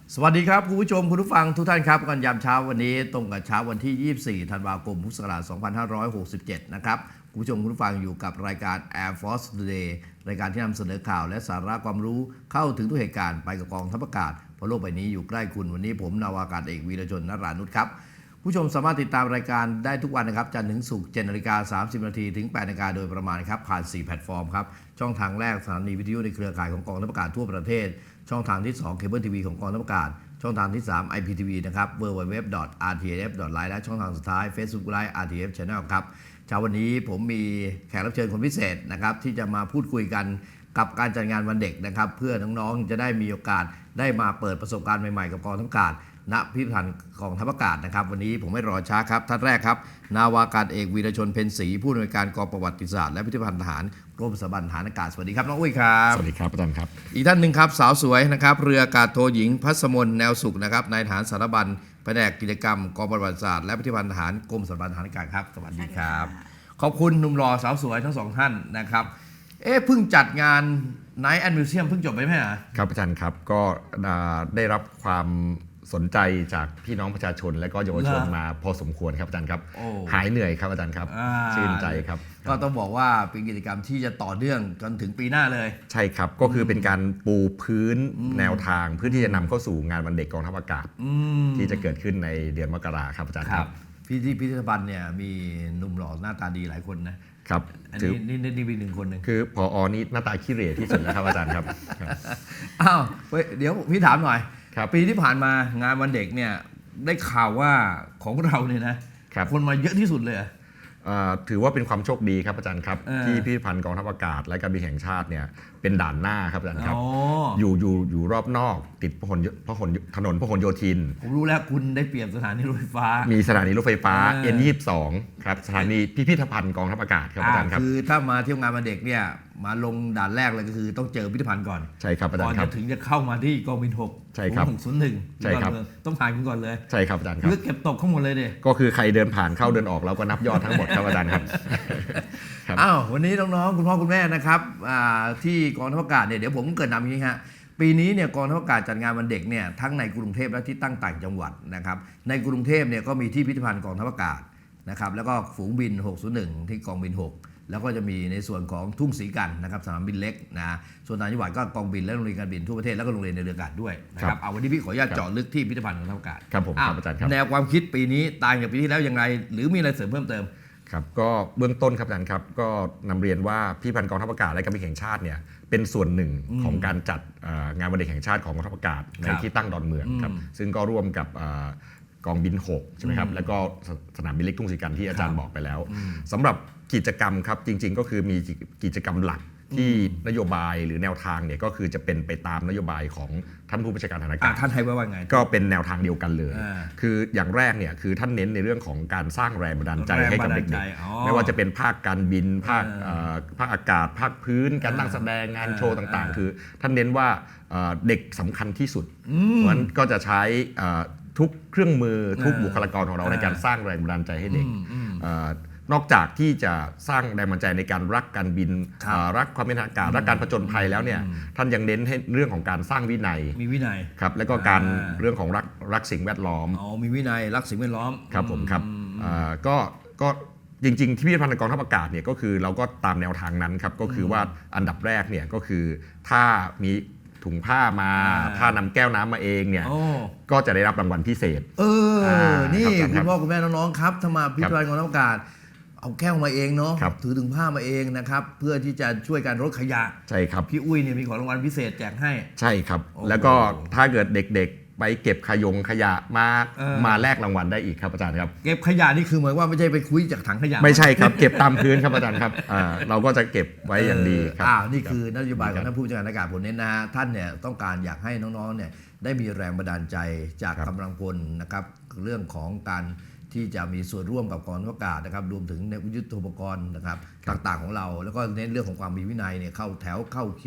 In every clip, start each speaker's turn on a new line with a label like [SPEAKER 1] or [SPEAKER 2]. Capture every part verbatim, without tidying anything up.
[SPEAKER 1] สวัสดีครับคุณผู้ชมคุณผู้ฟังทุกท่านครับกันยามเช้าวันนี้ตรงกับเช้าวันที่ยี่สิบสี่ธันวาคมพุทธศักราชสองพันห้าร้อยหกสิบเจ็ดนะครับคุณผู้ชมคุณผู้ฟังอยู่กับรายการ Air Force Today รายการที่นำเสนอข่าวและสาระความรู้เข้าถึงทุกเหตุการณ์ไปกับกองทัพอากาศเพราะโลกใบนี้อยู่ใกล้คุณวันนี้ผมนาวากาศเอกวีรชนนรานุชครับผู้ชมสามารถติดตามรายการได้ทุกวันนะครับจันทร์ถึงศุกร์เจ็ดนาฬิกาสามสิบนาทีถึงแปดนาฬิกาโดยประมาณครับผ่านสี่แพลตฟอร์มครับช่องทางแรกสถานีวิทยุในเครือข่ายของกองทัพอากาศทั่วประเทศช่องทางที่สองเคเบิลทีวีของกองทัพอากาศช่องทางที่สาม ไอ พี ที วี นะครับ ดับเบิลยู ดับเบิลยู ดับเบิลยู ดอท อาร์ ที เอฟ ดอท ไลน์ และช่องทางสุดท้าย Facebook Live อาร์ ที เอฟ Channel ครับเช้าวันนี้ผมมีแขกรับเชิญคนพิเศษนะครับที่จะมาพูดคุยกันกับการจัดงานวันเด็กนะครับเพื่อน้องๆจะได้มีโอกาสได้มาเปิดประสบการณ์ใหม่ๆกับกองทัพอากาศณพิพิธภัณฑ์กองทัพอากาศนะครับวันนี้ผมไม่รอช้าครับท่านแรกครับนาวากาศเอกวีรชนเพ็ญศรีผู้อำนวยการกองประวัติศาสตร์และพิพิธภัณฑ์ทหารกรมสถาบันทหารอากาศสวัสดีครับน้องอุ้ยครับ
[SPEAKER 2] สวัสดีครับอาจารย์ครับ
[SPEAKER 1] อีกท่านหนึ่งครับสาวสวยนะครับเรืออากาศโทหญิงพัสมนแนวสุขนะครับนายทหารสารบัญแผนกกิจกรรมกองประวัติศาสตร์และพิพิธภัณฑ์ทหารกรมสถาบันทหารอากาศครับสวัสดีครับขอบคุณหนุ่มหล่อสาวสวยทั้งสองท่านนะครับเอ๊ะเพิ่งจัดงานไนท์แอนด์มิวเซียมเพิ่งจบไปไหมฮะ
[SPEAKER 2] ครับอาจารย์ครับก็ได้รับความสนใจจากพี่น้องประชาชนและก็เยาวชนมาพอสมควรครับอาจารย์ครับหายเหนื่อยครับอาจารย์ครับชื่นใจครับ
[SPEAKER 1] ก็ต้องบอกว่าเป็นกิจกรรมที่จะต่อเนื่องจนถึงปีหน้าเลย
[SPEAKER 2] ใช่ครับก็คือเป็นการปูพื้นแนวทางเพื่อที่จะนำเข้าสู่งานวันเด็กกองทัพอากาศที่จะเกิดขึ้นในเดือนมกราครับอาจารย์ครับ
[SPEAKER 1] พี่ที่พิพิธภัณฑ์เนี่ยมีหนุ่มหล่อหน้าตาดีหลายคนนะครับอันนี้นี่นี่เป็นหนึ่งคนหนึ่ง
[SPEAKER 2] คือผอ.นี่หน้าตาขี้เหร่ที่สุดแล้วครับอาจารย์ครับ
[SPEAKER 1] อ้าวเดี๋ยวพี่ถามหน่อยปีที่ผ่านมางานวันเด็กเนี่ยได้ข่าวว่าของเราเนี่ยนะคนมาเยอะที่สุดเลย
[SPEAKER 2] ถือว่าเป็นความโชคดีครับอาจารย์ครับที่พิพิธภัณฑ์กองทัพอากาศและการบินแห่งชาติเนี่ยเป็นด่านหน้าครับอาจารย์ครับอยู่อยู่อยู่รอบนอกติดพหลพหลถนนพหลโยธิน
[SPEAKER 1] ผมรู้แล้วคุณได้เปรียบสถานีรถไฟฟ้า
[SPEAKER 2] มีสถานีรถไฟฟ้า เอ็น ยี่สิบสอง ครับสถานีพิพิธภัณฑ์กองทัพอากาศครับอาจารย์ครับ
[SPEAKER 1] คือถ้ามาเที่ยวงานวันเด็กเนี่ยมาลงด่านแรกเลยก็คือต้องเจอพิพิธภัณฑ์ก่อน
[SPEAKER 2] ใช่ครับอาจารย์
[SPEAKER 1] ครับก่อนจะถึงจะเข้ามาที่กองบินหก
[SPEAKER 2] ใช่ครับ
[SPEAKER 1] หกศูนย์หนึ่ง
[SPEAKER 2] ใช่ครับ
[SPEAKER 1] ต้องผ่านคุณก่อนเลย
[SPEAKER 2] ใช่ครับอาจารย์ครับ
[SPEAKER 1] คือเก็บตกข้างหมดเลยเด็
[SPEAKER 2] ก็คือใครเดินผ่านเข้าเดินออกเราก็นับยอดทั้งหมดครับอาจารย์ครับ
[SPEAKER 1] อ้าววันนี้น้องๆคุณพ่อคุณแม่นะครับที่กองทัพอากาศเนี่ยเดี๋ยวผมเกิดนำอย่างนี้ฮะปีนี้เนี่ยกองทัพอากาศจัดงานวันเด็กเนี่ยทั้งในกรุงเทพและที่ตั้งต่างจังหวัดนะครับในกรุงเทพเนี่ยก็มีที่พิพิธภัณฑ์กองทัพอากาศนะครับแล้วก็ฝูงบินหกศูนย์หนึ่งที่กองบินหกแล้วก็จะมีในส่วนของทุ่งศรีกันนะครับสนามบินเล็กนะส่วนต่างจังหวัดก็กองบินและโรงเรียนการบินทั่วประเทศแล้วก็โรงเรียนในเรืออากาศด้วยนะครับเอาวันนี้พี่ขออนุญาตเจาะลึกที่พิพิธภัณฑ์กองทัพอากาศ
[SPEAKER 2] ครับผมครับอาจารย์ครับ
[SPEAKER 1] แนวความคิดปีนี้ต่างจากปีที่แล้วอย่างไรหรือมีอะไรเสริมเพิ่มเติม
[SPEAKER 2] ครับก็เบื้องต้นครับอาจารย์ครับก็นำเรียนว่าพิพิธภัณฑ์กองทัพอากาศและการบินแห่งชาติเนี่ยเป็นส่วนหนึ่งของการจัดงานวันเด็กแห่งชาติของกองทัพอากาศในที่ตั้งดอนเมืองครับซึ่งก็ร่วมกับกองบินหกใช่ไหมครับแล้วก็สนามบินเล็กทุ่งศรีกันที่อาจารย์บอกไปแล้วสำหรับกิจกรรมครับจริงๆก็คือมีกิจกรรมหลักที่นโยบายหรือแนวทางเนี่ยก็คือจะเป็นไปตามนโยบายของท่านผู้บัญชาการทหารอากาศ
[SPEAKER 1] ท่านให้ว่าไง
[SPEAKER 2] ก็เป็นแนวทางเดียวกันเลยคืออย่างแรกเนี่ยคือท่านเน้นในเรื่องของการสร้างแรงบันดาลใจให้กับเด็กๆไม่ว่าจะเป็นภาคการบินภาคภาคอากาศภาคพื้นการนั่งแสดงงานโชว์ต่างๆคือท่านเน้นว่าเด็กสำคัญที่สุดเพราะฉะนั้นก็จะใช้ทุกเครื่องมือทุกบุคลากรของเราในการสร้างแรงบันดาลใจให้เด็กนอกจากที่จะสร้างแรงบันดาลใจในการรักการบินรักความเป็นทางอากาศรักการผจญภัยแล้วเนี่ยท่านยังเน้นให้เรื่องของการสร้างวินัย
[SPEAKER 1] มีวินัย
[SPEAKER 2] ครับแล้วก็การเรื่องของรักรักสิ่งแวดล้อม
[SPEAKER 1] อ๋อมีวินัยรักสิ่งแวดล้อม
[SPEAKER 2] ครับผมครับก็ก็จริงๆที่พิพิธภัณฑ์กองทัพอากาศเนี่ยก็คือเราก็ตามแนวทางนั้นครับก็คือว่าอันดับแรกเนี่ยก็คือถ้ามีถุงผ้ามาถ้านำแก้วน้ำมาเองเนี่ยก็จะได้รับรางวัลพิเศษ
[SPEAKER 1] เออนี่คุณพ่อคุณแม่น้องๆครับถ้ามาพิพิธภัณฑ์กองทัพอากาศเอาแก้วมาเองเนาะถือถุงผ้ามาเองนะครับเพื่อที่จะช่วยการลดขยะ
[SPEAKER 2] ใช่ครับ
[SPEAKER 1] พี่อุ้ยเนี่ยมีของรางวัลพิเศษแจกให้
[SPEAKER 2] ใช่ครับแล้วก็ถ้าเกิดเด็กๆไปเก็บขยงขยะมามาแลกรางวัลได้อีกครับอาจารย์ครับ
[SPEAKER 1] เก็บขยะนี่คือหมายว่าไม่ใช่ไปคุยจากถังขยะ
[SPEAKER 2] ไม่ใช่ครับเก็บตามพื้นครับอาจารย์ครับเราก็จะเก็บไว้อย่างดีครับ
[SPEAKER 1] อ่านี่คือนโยบายของท่านผู้บัญชาการอากาศผมเน้นนะฮะท่านเนี่ยต้องการอยากให้น้องๆเนี่ยได้มีแรงบันดาลใจจากกำลังพลนะครับเรื่องของการที่จะมีส่วนร่วมกับกองทัพอากาศนะครับรวมถึงในยุทโธปกรณ์นะครับต่างๆของเราแล้วก็เน้นเรื่องของความมีวินัยเนี่ยเข้าแถวเข้าคิว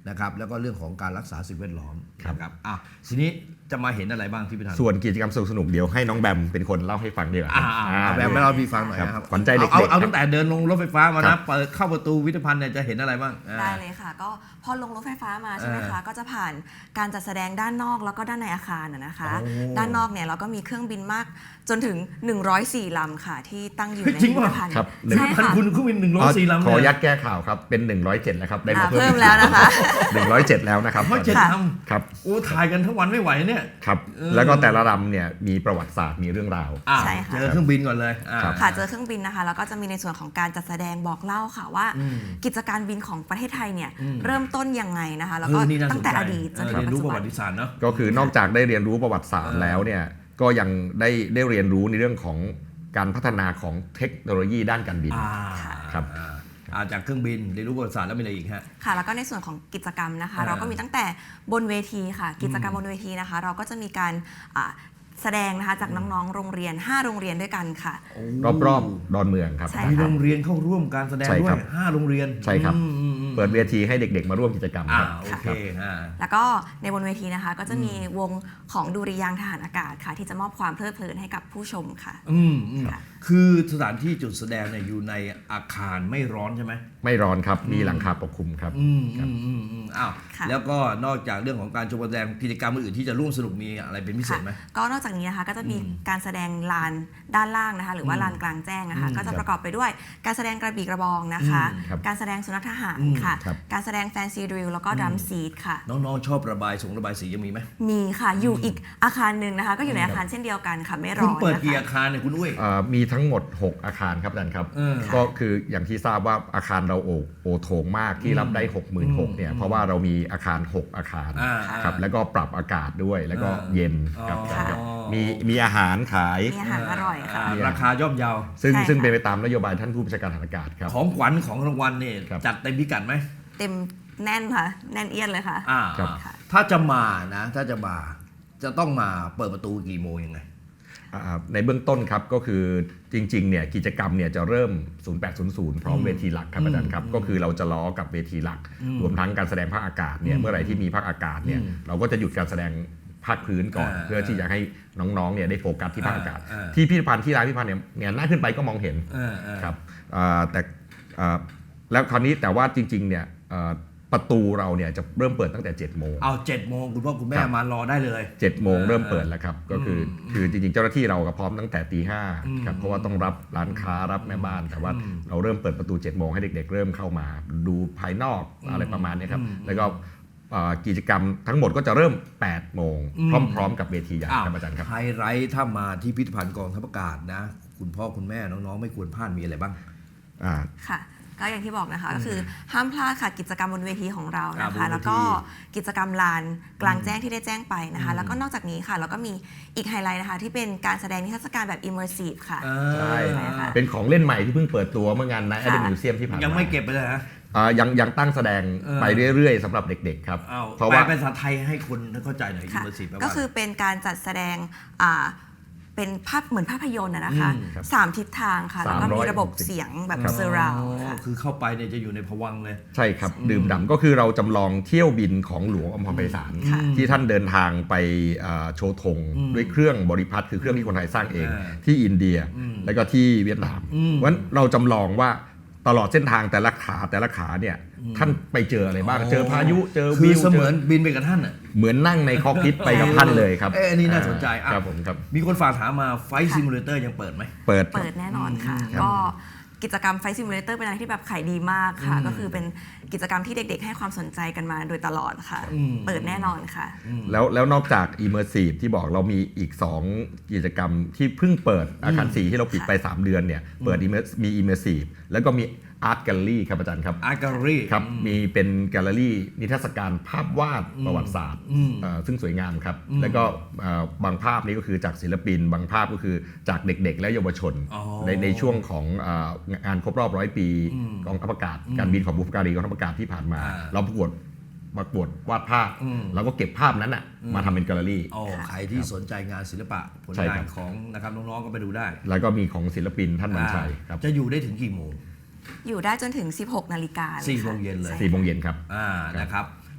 [SPEAKER 1] นะครับแล้วก็เรื่องของการรักษาสิ่งแวดล้อมนะครับอ่ะทีนี้จะมาเห็นอะไรบ้างที่พี่ธัน
[SPEAKER 2] ส่วนกิจกรรมสนุกๆเดี๋ยวให้น้องแบมเป็นคนเล่าให้ฟังดีกว่า
[SPEAKER 1] อ่าเอาแบบไม่เล่าพี่ฟังหน่อย
[SPEAKER 2] ครับ
[SPEAKER 1] นะครับ
[SPEAKER 2] ขวัญใจเด็กๆ
[SPEAKER 1] เอาเอา
[SPEAKER 2] ครับ
[SPEAKER 1] ตั้งแต่เดินลงรถไฟฟ้ามา
[SPEAKER 2] ครั
[SPEAKER 1] นะ
[SPEAKER 2] บ
[SPEAKER 1] เปิดเข้าประตูพิพิธภัณฑ์เนี่ยจะเห็นอะไรบ้างอ่า
[SPEAKER 3] ได้เลยค่ะก็พอลงรถไฟฟ้ามาใช่ไหม
[SPEAKER 1] เอ
[SPEAKER 3] คะ
[SPEAKER 1] อ
[SPEAKER 3] ก็จะผ่านการจัดแสดงด้านนอกแล้วก็ด้านในอาคารนะนะคะ
[SPEAKER 1] โอ้
[SPEAKER 3] ด้านนอกเนี่ยเราก็มีเครื่องบินมากจนถึงหนึ่งร้อยสี่ลำค่ะที่ตั้งอยู่ใน
[SPEAKER 1] จริ
[SPEAKER 3] พิ
[SPEAKER 1] ง
[SPEAKER 3] พิ
[SPEAKER 1] ป่ะ
[SPEAKER 3] ธภัณฑ์
[SPEAKER 2] ครับ
[SPEAKER 3] ใช่
[SPEAKER 1] พัน
[SPEAKER 3] ค่ะ
[SPEAKER 1] คุณเครื่องบินหนึ่งร้อยสี่ลำ
[SPEAKER 2] ขอ
[SPEAKER 1] เนี่
[SPEAKER 2] ยัดแก้ข่าวครับเป็นหนึ่งร้อยเจ็ดแล้วครับได้มา
[SPEAKER 3] อ่า
[SPEAKER 2] เพิ่ม
[SPEAKER 3] เพิ่มแล้วนะคะ
[SPEAKER 2] หนึ่งร้อยเจ็ดแล้วนะครับ
[SPEAKER 1] ร้อยเจ็ด
[SPEAKER 3] ค่ะ
[SPEAKER 1] ล
[SPEAKER 2] ครับ
[SPEAKER 1] ำโอ้ถ่ายกันทั้งวันไม่ไหวเนี่ย
[SPEAKER 2] ครับ
[SPEAKER 1] เออ
[SPEAKER 2] แล้วก็แต่ละลำเนี่ยมีประวัติศาสตร์มีเรื่องราว
[SPEAKER 1] อ่า
[SPEAKER 3] ใช่ค่ะ
[SPEAKER 1] เจอเครื่องบินก่อนเลยอ่า
[SPEAKER 2] ครับ
[SPEAKER 3] ค่ะเจอเครื่องบินนะคะแล้วก็จะมีในส่วนของการจัดแสดงบอกเล่าค่ะว่า
[SPEAKER 1] อืม
[SPEAKER 3] กิจการบินของประเทศไทยเนี่ย
[SPEAKER 1] อืม
[SPEAKER 3] เริ่มต้นยังไงนะคะแล้วก็
[SPEAKER 1] เออนี่น่าส
[SPEAKER 3] ตั้
[SPEAKER 1] น
[SPEAKER 3] ง
[SPEAKER 1] ใจ
[SPEAKER 3] แต่อดีตจนถึ
[SPEAKER 1] เออง เรียน
[SPEAKER 3] ปัจ
[SPEAKER 1] รู้
[SPEAKER 3] จุ
[SPEAKER 1] ประ
[SPEAKER 3] บั
[SPEAKER 1] วัน ติศาสตร์เนาะ
[SPEAKER 2] ก็คือนอกจากได้เรียนรู้ประวัติศาสตร์แล้วเนี่ยก็ยังได้ได้เรียนรู้ในเรื่องของการพัฒนาของเทคโนโลยีด้านการบิน
[SPEAKER 1] อ่า
[SPEAKER 2] ครับ
[SPEAKER 1] อ่าอ่าจากเครื่องบินเรียนรู้ประวัติศาสตร์แล้วมีอะไรอีกฮะ
[SPEAKER 3] ค่ะแล้วก็ในส่วนของกิจกรรมนะคะ
[SPEAKER 1] อ่า
[SPEAKER 3] เราก็มีตั้งแต่บนเวทีค่ะ กิจกรรมบนเวทีนะคะ เราก็จะมีการอ่าแสดงนะคะจากน้องๆ โรงเรียน ห้า โรงเรียนด้วยกันค่ะ
[SPEAKER 2] รอบๆดอนเมืองครับ
[SPEAKER 3] ใช่
[SPEAKER 1] มีโรงเรียนเข้าร่วมการแสดง
[SPEAKER 2] ใช่
[SPEAKER 1] ด้ว
[SPEAKER 2] ครั
[SPEAKER 1] ย
[SPEAKER 2] บ
[SPEAKER 1] ห้าโรงเรียน
[SPEAKER 2] ใช่ครับ
[SPEAKER 1] อืมอืมอืม
[SPEAKER 2] เปิดเวทีให้เด็กๆ มาร่วมกิจกรรม
[SPEAKER 1] อ่า
[SPEAKER 2] ครับ
[SPEAKER 1] โอเคอ่า
[SPEAKER 3] แล้วก็ในบนเวทีนะคะ ก็จะมีวงของดุริยางค์ทหารอากาศค่ะ ที่จะมอบความเพลิดเพลินให้กับผู้ชมค่ะ
[SPEAKER 1] อืมอืม
[SPEAKER 3] ค่ะ
[SPEAKER 1] คือสถานที่จุดแสดงเนี่ยอยู่ในอาคารไม่ร้อนใช่ไหม
[SPEAKER 2] ไม่ร้อนครับมีหลังคาปกคลุมครับ
[SPEAKER 1] อืมอืมอืมอืมอ้าว
[SPEAKER 3] ค่ะ
[SPEAKER 1] แล้วก็นอกจากเรื่องของการชมแสดงกิจกรรมอื่นๆที่จะร่วมสนุกมีอะไรเป็นพิเศษไหม
[SPEAKER 3] ก็นอกจากนี้นะคะก็จะมี
[SPEAKER 1] อืม
[SPEAKER 3] การแสดงลานด้านล่างนะคะ หรือว่า
[SPEAKER 1] อืม
[SPEAKER 3] ลานกลางแจ้งนะคะ
[SPEAKER 1] อืม
[SPEAKER 3] ก็จะประกอบไปด้วยการแสดงกระบี่กระบองนะคะ
[SPEAKER 1] อืม
[SPEAKER 2] ครับ
[SPEAKER 3] การแสดงสุนัขทหาร
[SPEAKER 1] อืม
[SPEAKER 3] ค่ะ
[SPEAKER 2] ครับ
[SPEAKER 3] การแสดงแฟนซีดริลแล้วก็ดรัมซีดค่ะ
[SPEAKER 1] น้องๆชอบระบายสงระบายสียังมีไหม
[SPEAKER 3] มีค่ะอยู่อีกอาคารหนึ่งนะคะ ก็อยู่ในอาคารเช่นเดียวกันค่ะไม่ร้
[SPEAKER 1] คุ
[SPEAKER 3] อ
[SPEAKER 1] ณ
[SPEAKER 3] น
[SPEAKER 1] เปิด
[SPEAKER 3] นะ
[SPEAKER 1] กี่
[SPEAKER 3] คะ
[SPEAKER 1] อาคารเนี่ยคุณอุ้ย
[SPEAKER 2] เอ่อมีทั้งหมด หก อาคารครับอาจารย์ครับ
[SPEAKER 1] เออ
[SPEAKER 2] ก็คืออย่างที่ทราบว่าอาคารเราโอโอโถงมากที่รับได้ หกหมื่นหกพัน เนี่ยเพราะว่าเรามีอาคาร หก อาคาร
[SPEAKER 1] อ่า
[SPEAKER 2] ครับแล้วก็ปรับอากาศด้วยแล้วก็
[SPEAKER 1] อ่า
[SPEAKER 2] เย็นครับ
[SPEAKER 1] อ๋อ
[SPEAKER 2] อาจารย์ครับมีมีอาหารขาย
[SPEAKER 3] มีอาหารอร่อยค่ะ
[SPEAKER 1] าราคาย่อมเยา
[SPEAKER 2] ซึ่ง
[SPEAKER 3] ใช่ค่ะ
[SPEAKER 2] ซึ่งเป็นไปตามนโยบายท่านผู้บัญชาการทหารอากาศครับ
[SPEAKER 1] ของขวัญของรางวัลเนี่ย
[SPEAKER 2] ครับ
[SPEAKER 1] จัดเต็มพิกัดไหม
[SPEAKER 3] เต็มแน่นค่ะ แน่นเอียดเลยค่ะ
[SPEAKER 1] อ่า
[SPEAKER 2] ครับ
[SPEAKER 1] ถ้าจะมานะ ถ้าจะมาจะต้องมาเปิดประตูกี่โมงยังไง
[SPEAKER 2] อ่าในเบื้องต้นครับก็คือจริงๆเนี่ยกิจกรรมเนี่ยจะเริ่ม ศูนย์แปดศูนย์ศูนย์ พร้อม
[SPEAKER 1] อืม
[SPEAKER 2] เวทีหลักครับอาจารย์ครับ
[SPEAKER 1] อืม
[SPEAKER 2] ก็คือเราจะล้อกับเวทีหลัก
[SPEAKER 1] อืม
[SPEAKER 2] รวมทั้งการแสดงภาคอากาศเนี่ย
[SPEAKER 1] อืม
[SPEAKER 2] เมื่อไหร่ที่มีภาคอากาศเนี่ย
[SPEAKER 1] อืม
[SPEAKER 2] เราก็จะหยุดการแสดงภาคพื้นก่อน
[SPEAKER 1] อ่า
[SPEAKER 2] เพื่อที่จะให้น้องๆเนี่ยได้โฟกัสที่ภาคอากาศ
[SPEAKER 1] อ่าอ่า
[SPEAKER 2] ที่พิพิธภัณฑ์ที่ร้านพิพิธภัณฑ์เนี่ยเนี่ยหน้าขึ้นไปก็มองเห็น
[SPEAKER 1] เออเออ
[SPEAKER 2] ครับอ่าแต่อ่าแล้วคราวนี้แต่ว่าจริงๆเนี่ยอ่าประตูเราเนี่ยจะเริ่มเปิดตั้งแต่เจ็ดโมง
[SPEAKER 1] เอาเจ็ดโมงคุณพ่อคุณแม่
[SPEAKER 2] ครับ
[SPEAKER 1] มารอได้เลย
[SPEAKER 2] เจ็ดโมงเริ่มเปิดแล้วครับก็คืออ
[SPEAKER 1] ม
[SPEAKER 2] คือจริงๆเจ้าหน้าที่เราก็พร้อมตั้งแต่ตีห้า
[SPEAKER 1] อืม
[SPEAKER 2] ครับเพราะว่าต้องรับร้านค้ารับแม่บ้าน แต่ว่า
[SPEAKER 1] อืม
[SPEAKER 2] เราเริ่มเปิดประตูเจ็ดโมงให้เด็กๆ เริ่มเข้ามา ดูภายนอก
[SPEAKER 1] อืม
[SPEAKER 2] อะไรประมาณนี้ครับ
[SPEAKER 1] อืม
[SPEAKER 2] แล้วก็อ่ากิจกรรมทั้งหมดก็จะเริ่มแปดโมง
[SPEAKER 1] อืม
[SPEAKER 2] พร้อมๆ กับเวทีใหญ่
[SPEAKER 1] อ้าว
[SPEAKER 2] ครับอาจารย์ครับ
[SPEAKER 1] ไฮไลท์ถ้ามาที่พิพิธภัณฑ์กองทัพอากาศนะ คุณพ่อคุณแม่น้องๆไม่ควรพลาดมีอะไรบ้าง
[SPEAKER 2] อ่า
[SPEAKER 3] ค่ะ ก็อย่างที่บอกนะคะก็คือห้ามพลาดค่ะกิจกรรมบนเวทีของเรานะ
[SPEAKER 1] อ่าบนเวที
[SPEAKER 3] คะ แล้วก็กิจกรรมลานกลางแจ้งที่ได้แจ้งไปนะคะ
[SPEAKER 1] อืม
[SPEAKER 3] แล้วก็นอกจากนี้ค่ะเราก็มีอีกไฮไลท์นะคะที่เป็นการแสดงนิทรรศการแบบ immersive ค่ะ
[SPEAKER 1] เออ
[SPEAKER 2] ใช่
[SPEAKER 3] ใช่ค่ะ
[SPEAKER 2] เป็นของเล่นใหม่ที่เพิ่งเปิดตัวเมื่องานในแอดมิวเซียมที่ผ่านมา
[SPEAKER 1] ยังไม่เก็บไปเลยฮะ
[SPEAKER 2] อ่ายังยังตั้งแสดง
[SPEAKER 1] เออ
[SPEAKER 2] ไปเรื่อยๆสำหรับเด็กๆครับ
[SPEAKER 1] เอา
[SPEAKER 2] เพราะ
[SPEAKER 1] แปล
[SPEAKER 2] ว่า
[SPEAKER 1] เป็นภาษาไทยให้คนเข้าใจหน่อยอิ
[SPEAKER 3] ค่ะ
[SPEAKER 1] มเมอร์ซีฟแปลว่า
[SPEAKER 3] ก็คือเป็นการจัดแสดงอ่าเป็นภาพเหมือนภาพยนตร์นะนะคะ
[SPEAKER 1] อืม
[SPEAKER 2] ครับ
[SPEAKER 3] สามทิศทางค่ะ แล้วก็มีระบบ
[SPEAKER 2] สามร้อยหกสิบ
[SPEAKER 3] เสียงแบบ
[SPEAKER 2] ครับ
[SPEAKER 3] เซอร์ราว
[SPEAKER 1] อ๋อ
[SPEAKER 3] ค่ะ
[SPEAKER 1] คือเข้าไปเนี่ยจะอยู่ในภวังค์เลย
[SPEAKER 2] ใช่ครับ ดื่มด่ำก็คือเราจำลองเที่ยวบินของหลวงอมรไพศาล
[SPEAKER 3] ค่ะ
[SPEAKER 2] ที่ท่านเดินทางไปอ่าโชว์ธง
[SPEAKER 1] อืม
[SPEAKER 2] ด้วยเครื่องบริพัตรคือเครื่องที่คนไทยสร้างเอง
[SPEAKER 1] อ่า
[SPEAKER 2] ที่อินเดีย
[SPEAKER 1] อืม
[SPEAKER 2] แล้วก็ที่เวียดนาม
[SPEAKER 1] อืม
[SPEAKER 2] เพราะฉะนั้นเราจำลองว่าตลอดเส้นทางแต่ละขาแต่ละขาเนี่ยท่านไปเจออะไรบ้าง เจอพายุเจอ
[SPEAKER 1] คื
[SPEAKER 2] วิ
[SPEAKER 1] อ
[SPEAKER 2] ว
[SPEAKER 1] เส
[SPEAKER 2] เจ
[SPEAKER 1] มือ
[SPEAKER 2] อน
[SPEAKER 1] บินไปกับท่านอ่ะ
[SPEAKER 2] เหมือนนั่งในคอกพิทไปกับท่านเลยครับ
[SPEAKER 1] เอ้ยอันนี้น่าสนใจอ่ะ
[SPEAKER 2] ครับผมครับ
[SPEAKER 1] มีคนฝากถามมาไฟซิมูเลเตอร์ยังเปิดไหม
[SPEAKER 2] เปิด
[SPEAKER 3] เปิดแน่นอนค่ะ
[SPEAKER 2] ครับ
[SPEAKER 3] ก็กิจกรรมไฟซิมูเลเตอร์เป็นอะไรที่แบบขายดีมากค่ะ
[SPEAKER 1] อืม
[SPEAKER 3] ก็คือเป็นกิจกรรมที่เด็กๆ ให้ความสนใจกันมาโดยตลอดค่ะ
[SPEAKER 1] อืม
[SPEAKER 3] เปิดแน่นอนค่ะ
[SPEAKER 2] แล้วแล้วนอกจาก Immersive ที่บอกเรามีอีก สอง กิจกรรมที่เพิ่งเปิดอาคารสี่ที่เราปิดไป สาม เดือนเนี่ยเปิด Immer- มี Immersive แล้วก็มี Art Gallery ครับอาจารย์ครับ
[SPEAKER 1] อาร์ตแกลเลอรี่
[SPEAKER 2] ครับมีเป็นแกลเลอรี่นิทรรศการภาพวาดประวัติศาสตร์
[SPEAKER 1] อืม
[SPEAKER 2] เอ่อซึ่งสวยงามครับ
[SPEAKER 1] อืม
[SPEAKER 2] แล้วก็เอ่อบางภาพนี้ก็คือจากศิลปิน บางภาพก็คือจากเด็กๆ และเยาวชน
[SPEAKER 1] อ๋อ
[SPEAKER 2] ในในช่วงของเอ่องานครบรอบร้อยปี
[SPEAKER 1] อืม
[SPEAKER 2] กองทัพอากาศ
[SPEAKER 1] อืม
[SPEAKER 2] การบินของบุพการีกองทัพอากาศที่ผ่านมา
[SPEAKER 1] อ่า
[SPEAKER 2] เราประกวดประกวดวาดภาพ
[SPEAKER 1] อืม
[SPEAKER 2] แล้วก็เก็บภาพนั้นน่ะ
[SPEAKER 1] อืม
[SPEAKER 2] มาทำเป็นแกลเลอรี่
[SPEAKER 1] โอ้ใครที่สนใจงานศิลปะผล
[SPEAKER 2] ใช่
[SPEAKER 1] งา
[SPEAKER 2] ครั
[SPEAKER 1] น
[SPEAKER 2] บ
[SPEAKER 1] ของนะครับน้องๆก็ไปดูได้
[SPEAKER 2] แล้วก็มีของศิลปินท่านวันชัยครับ
[SPEAKER 1] จะอยู่ได้ถึงกี่โมง
[SPEAKER 3] อยู่ได้จนถึง สิบหก นาฬิกาเลย
[SPEAKER 1] สี่
[SPEAKER 3] ค่ะ
[SPEAKER 1] โมงเย็นเลย
[SPEAKER 3] ใช่
[SPEAKER 2] สี่โมงเย็นครับ
[SPEAKER 1] อ่านะครับ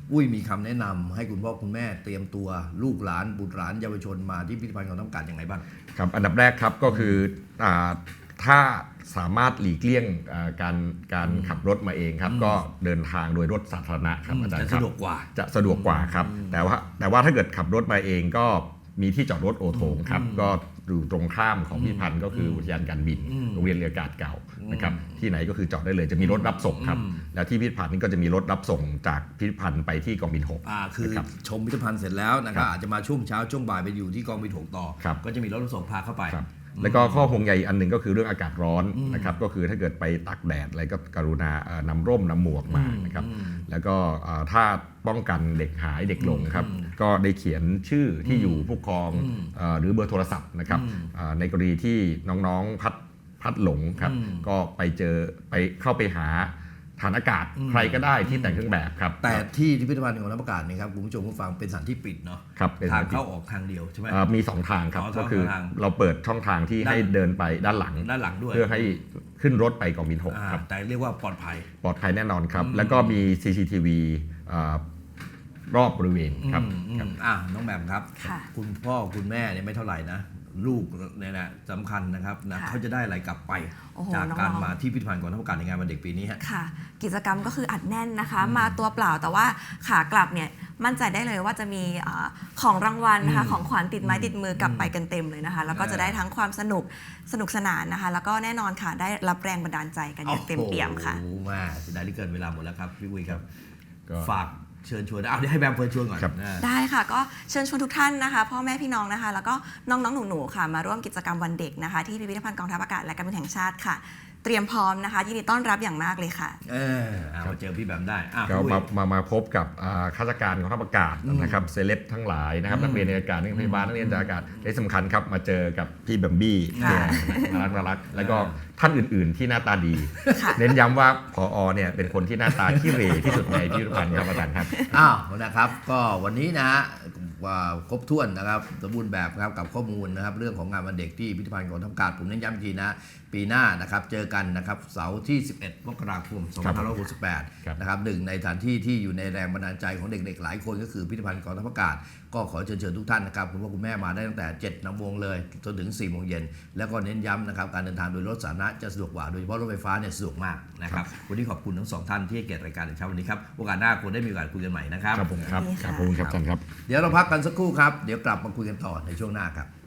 [SPEAKER 1] อุ้ยมีคำแนะนำให้คุณพ่อคุณแม่เตรียมตัวลูกหลานบุตรหลานเยาวชนมาที่พิพิธภัณฑ์กองทัพอากาศยังไงบ้าง
[SPEAKER 2] ครับอันดับแรกครับก็คืออ่าถ้าสามารถหลีกเลี่ยงอ่าการการขับรถมาเองครับก็เดินทางโดยรถสาธารณะครับอาจารย์
[SPEAKER 1] จะ
[SPEAKER 2] ครับ
[SPEAKER 1] สะดวกกว่า
[SPEAKER 2] จะสะดวกกว่าครับแต่ว่าแต่ว่าถ้าเกิดขับรถมาเองก็มีที่จอดรถโอโถงครับก็อยู่ตรงข้ามของพิพิธภัณฑ์ก็คืออุทยานการบินโรงเรียนเรืออากาศเก่านะครับที่ไหนก็คือจอดได้เลยจะมีรถรับส่งครับแล้วที่พิพิธภัณฑ์นี้ก็จะมีรถรับส่งจากพิพิธภัณฑ์ไปที่กองบินหก
[SPEAKER 1] อ่าคือ
[SPEAKER 2] นะครับ
[SPEAKER 1] ชมพิพิธภัณฑ์เสร็จแล้วนะครับอาจจะมาช่วงเช้าช่วงบ่ายไปอยู่ที่กองบินหกต่อ
[SPEAKER 2] ครับ
[SPEAKER 1] ก็จะมีรถรับส่งพาเข้าไป
[SPEAKER 2] ครับแล้วก็ข้อห่วงใยอีกอันหนึ่งก็คือเรื่องอากาศร้อนนะครับก็คือถ้าเกิดไปตากแดดอะไรก็กรุณาเอ่อนำร่มนำหมวกมานะครับแล้วก็เอ่อถ้าป้องกันเด็กหายเด็กหลงครับก็ได้เขียนชื่อที่อยู่ผู้ปกครองเอ่อหรือเบอร์โทรศัพท์นะครับเอ่อในกรณีที่น้องๆพัดพัดหลงครับก็ไปเจอไปเข้าไปหาฐานอากาศใครก็ได้ที่แต่งเครื่องแบบครับ
[SPEAKER 1] แต่ที่พิพิธภัณฑ์กองทัพอากาศนี่ครับคุณผู้ชมผู้ฟังเป็นสถานที่ปิดเนาะ
[SPEAKER 2] ครับเป็น
[SPEAKER 1] ทาง
[SPEAKER 2] สถานที่
[SPEAKER 1] เข้าออกทางเดียวใช่ไหม
[SPEAKER 2] เอ่อมีสองทางครับ
[SPEAKER 1] อ๋อ
[SPEAKER 2] ก็คือ
[SPEAKER 1] สองทาง
[SPEAKER 2] เราเปิดช่องทางที่
[SPEAKER 1] ด้าน
[SPEAKER 2] ให้เดินไปด้านหลัง
[SPEAKER 1] ด้านหลังด้วย
[SPEAKER 2] เพื่อให้ขึ้นรถไปกองบินหก
[SPEAKER 1] อ่า
[SPEAKER 2] ครับ
[SPEAKER 1] แต่เรียกว่าปลอดภัย
[SPEAKER 2] ปลอดภัยแน่นอนครับ แล้วก็มี ซี ซี ที วี อ่ารอบบริเวณครับ
[SPEAKER 1] อืมอืม
[SPEAKER 2] ครับ
[SPEAKER 1] อ่ะน้องแหม่มครับ
[SPEAKER 3] ค่ะ
[SPEAKER 1] คุณพ่อคุณแม่เนี่ยไม่เท่าไหร่นะลูกเนี่ยนะสำคัญนะครับนะ
[SPEAKER 3] ค่ะ
[SPEAKER 1] เขาจะได้อะไรกลับไป
[SPEAKER 3] โอ้โห
[SPEAKER 1] จากการ
[SPEAKER 3] น้องๆ
[SPEAKER 1] มาที่พิพิธภัณฑ์กองทัพอากาศในงานวันเด็กปีนี้ฮะ
[SPEAKER 3] ค่ะ กิจกรรมก็คืออัดแน่นนะคะ มาตัวเปล่าแต่ว่าขากลับเนี่ยมั่นใจได้เลยว่าจะมีเออของรางวัลนะคะ
[SPEAKER 1] อืม
[SPEAKER 3] ของขวัญติดไม้ติดมือกลับไปกันเต็มเลยนะคะ แล้วก็
[SPEAKER 1] เออ
[SPEAKER 3] จะได้ทั้งความสนุกสนุกสนานนะคะ แล้วก็แน่นอนค่ะได้รับแรงบันดาลใจกันอย่างเต็มเปี่ยมค่ะ
[SPEAKER 1] โอ้โหมาเสียดายที่เกินเวลาหมดแล้วครับพี่วุ้ยครับ
[SPEAKER 2] ก็
[SPEAKER 1] ฝากเชิญชวนเอาเดี๋ยวให้แบมเฟิร์นชวนก่อน
[SPEAKER 2] ครับ
[SPEAKER 1] นะ
[SPEAKER 3] ได้ค่ะก็เชิญชวนทุกท่านนะคะพ่อแม่พี่น้องนะคะ แล้วก็น้องๆหนูๆค่ะ มาร่วมกิจกรรมวันเด็กนะคะที่พิพิธภัณฑ์กองทัพอากาศและการบินแห่งชาติค่ะ เตรียมพร้อมนะคะยินดีต้อนรับอย่างมากเลยค่ะ
[SPEAKER 1] เออเอามาเจอพี่แบมได้อ่ะ
[SPEAKER 2] ก็
[SPEAKER 1] พี่วุ้
[SPEAKER 2] มาย มามาพบกับอ่าข้าราชการของทัพอากาศนะครับเซเลบทั้งหลายนะครับนักเรียนในอากาศนักเรียนพยาบาลนักเรียนจากอากาศและสำคัญครับมาเจอกับพี่แบมบี้
[SPEAKER 3] ค่ะ
[SPEAKER 2] น่ารักน่ารักแล้วก็ท่านอื่น ๆ ที่หน้าตาดี
[SPEAKER 3] ค่ะ
[SPEAKER 2] เน้นย้ำว่าผอเนี่ยเป็นคนที่หน้าตาขี้เหร่ที่สุดในพิพิธภัณฑ์ครับอาจารย์ครับ
[SPEAKER 1] อ้าวนะครับก็วันนี้นะฮะว่าครบถ้วนนะครับสมบูรณ์แบบครับกับข้อมูลนะครับเรื่องของงานวันเด็กที่พิพิธภัณฑ์กองทัพอากาศผมเน้นย้ำอีกทีนะปีหน้านะครับเจอกันนะครับเสาร์ที่ สิบเอ็ด มกราคม สองพันห้าร้อยหกสิบแปด
[SPEAKER 2] ครับ
[SPEAKER 1] นะครับหนึ่งในสถานที่ที่อยู่ในแรงบันดาลใจของเด็กๆหลายคนก็คือพิพิธภัณฑ์กองทัพอากาศก็ขอเชิญเชิญทุกท่านนะครับคุณพ่อคุณแม่มาได้ตั้งแต่เจ็ดนำวงเลยจนถึงสี่โมงเย็นแล้วก็เน้นย้ำนะครับการเดินทางโดยรถสาธารณะจะสะดวกกว่าโดยเฉพาะรถไฟฟ้าเนี่ยสะดวกมากนะครับวันนี้ขอบคุณทั้งสองท่านที่ให้เกียรติรายการในเช้าวันนี้ครับโอกาสหน้าควรได้มีโอกาสคุยกันใหม่นะครับ
[SPEAKER 2] ครับผมครับ
[SPEAKER 3] ดี
[SPEAKER 2] ค
[SPEAKER 3] ค่ะ
[SPEAKER 2] รับขอบคุณครับอาจารย์ครับ
[SPEAKER 1] เดี๋ยวเราพักกันสักครู่ครับ เดี๋ยวกลับมาคุยกันต่อในช่วงหน้าครับ